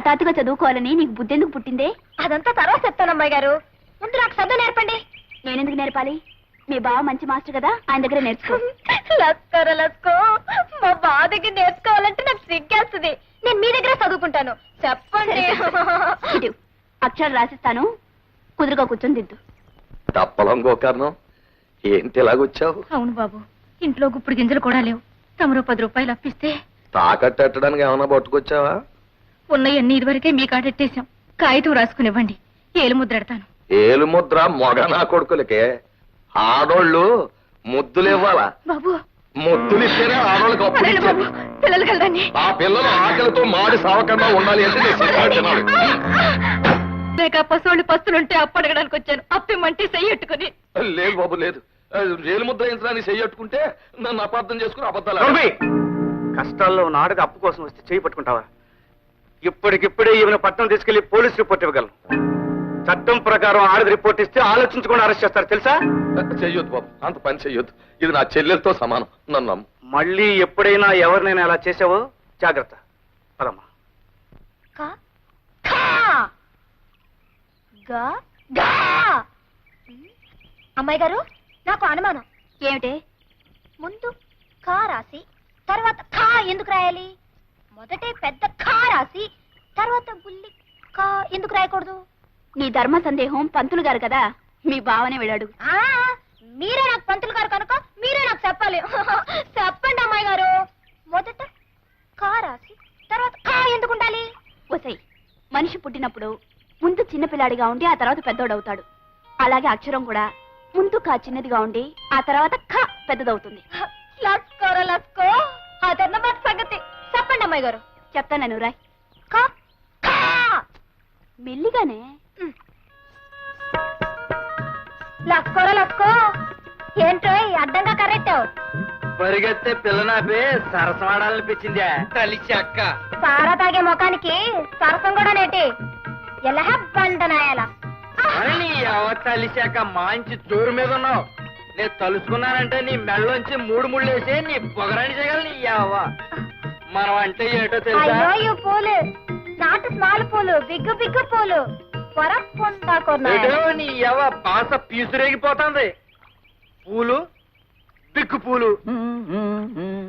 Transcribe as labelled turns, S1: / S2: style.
S1: హఠాత్తుగా చదువుకోవాలని నీకు బుద్ధెందుకు పుట్టిందే?
S2: అదంతా తర్వాత చెప్తాను అమ్మాయి గారు. ముందు నాకు చదువు నేర్పండి.
S1: నేనెందుకు నేర్పాలి? మీ బావ మంచి మాస్టర్ కదా, ఆయన దగ్గర నేర్చుకో.
S2: లస్కో మా బావ దగ్గర నేర్చుకోవాలంటే నాకు సిగ్గేస్తుంది. నేను మీ దగ్గర చదువుకుంటాను. చెప్పండి.
S1: ఇటు అక్షరాలు రాసిస్తాను, కుదురుగా కూర్చొని దిద్దు.
S3: తప్పలం గోకర్ణం, ఏంటి ఇలాగొచ్చావు?
S2: అవును బాబు, ఇంట్లో గుప్పుడు గింజలు కూడా లేవు. తమరు 10 రూపాయలు అప్పిస్తే
S3: తాకట్టడానికి ఏమైనా పట్టుకొచ్చావా?
S2: ఉన్నయన్నీ ఇదివరకే మీ కాడెట్టేశాం. కాగితం రాసుకునివ్వండి, ఏలు ముద్రెడతాను.
S3: ఏలు ముద్ర మొగ నా కొడుకులకే. ఆడోళ్ళు ముద్దులు ఇవ్వాలా?
S2: బాబు
S3: ముద్దులు ఇస్తేనే ఆడోళ్ళకి అప్పు
S2: అదేంటి బాబు, పిల్లలు కలదండి.
S3: ఆ పిల్లలు ఆకలితో మాడి సావకుండా ఉండాలి అంటే నేను సిగ్గు తినాలి.
S2: లేక పశువులు పస్తులుంటే అప్పు అడగడానికి వచ్చాను. అప్పిమ్మంటే చెయ్యట్టుకుని.
S3: లేదు బాబు లేదు. ఏలు ముద్ర వేయించడానికి చెయ్యట్టుకుంటే నన్ను అపార్థం చేసుకుని అబద్ధాలు.
S4: కష్టాల్లో ఉన్న ఆడది అప్పు కోసం వస్తే చేయి పట్టుకుంటావా? ఇప్పటికిప్పుడే ఈమెను పట్టణం తీసుకెళ్లి పోలీస్ రిపోర్ట్ ఇవ్వగలను. చట్టం ప్రకారం ఆడది రిపోర్ట్ ఇస్తే ఆలోచించకుండా అరెస్ట్ చేస్తారు తెలుసా?
S3: చెయ్యొద్దు బాబు, అంత పని చెయ్యొద్దు. ఇది నా చెల్లెలతో సమానం, నన్ను నమ్ము.
S4: మళ్ళీ ఎప్పుడైనా ఎవరినైనా అలా చేసావో జాగ్రత్త. పదమ్మా.
S2: అమ్మాయి గారు, నాకు అనుమానం.
S1: ఏమిటే?
S2: ముందు కా రాసి తర్వాత ఖా ఎందుకు రాయాలి? మొదటే పెద్ద ఖా రాసి తర్వాత బుల్లి కా ఎందుకు రాయకూడదు?
S1: నీ ధర్మ సందేహం పంతులు గారు కదా, మీ బావనే వెళ్ళాడు.
S2: మీరే నాకు పంతులు గారు కనుక మీరే నాకు చెప్పాలి. చెప్పండి అమ్మాయి గారు. మొదట కా రాసి తర్వాత ఖా ఎందుకు ఉండాలి?
S1: ఒసై, మనిషి పుట్టినప్పుడు ముందు చిన్నపిల్లాడిగా ఉండి ఆ తర్వాత పెద్దోడవుతాడు. అలాగే అక్షరం కూడా ముందు కా చిన్నదిగా ఉండి ఆ తర్వాత ఖ పెద్దదవుతుంది.
S2: లస్కోరా లస్కో, అదన్నమాట సంగతి. చెప్పండి అమ్మాయి గారు.
S1: చెప్తాను రాయ్.
S2: ఖా ఖా
S1: మెల్లిగానే.
S2: లస్కోరా లస్కో, ఏంటో అడ్డంగా కరెక్టావు.
S4: పరిగెత్తే పిల్లనాపే సరసమాడాలనిపించిందా? కలిసి అక్క
S2: సారా తాగే ముఖానికి సరసం కూడా నేటి. ఎలా బండనాయాల
S4: కలిసాక మంచి జోరు మీద ఉన్నావు. నేను తలుసుకున్నానంటే నీ మెళ్ళలోంచి 3 ముళ్ళేసి నీ పొగరాని చేయగలను. నీ యావ మనం అంటే ఏంటో తెలుసా?
S2: అయ్యో ఈ పూలు నాటు స్మాల్ పూలు, బిగ్గు బిగ్గు పూలు
S4: ఏటో నీ యవ బాస పీసురేగిపోతుంది. పూలు బిగ్గు పూలు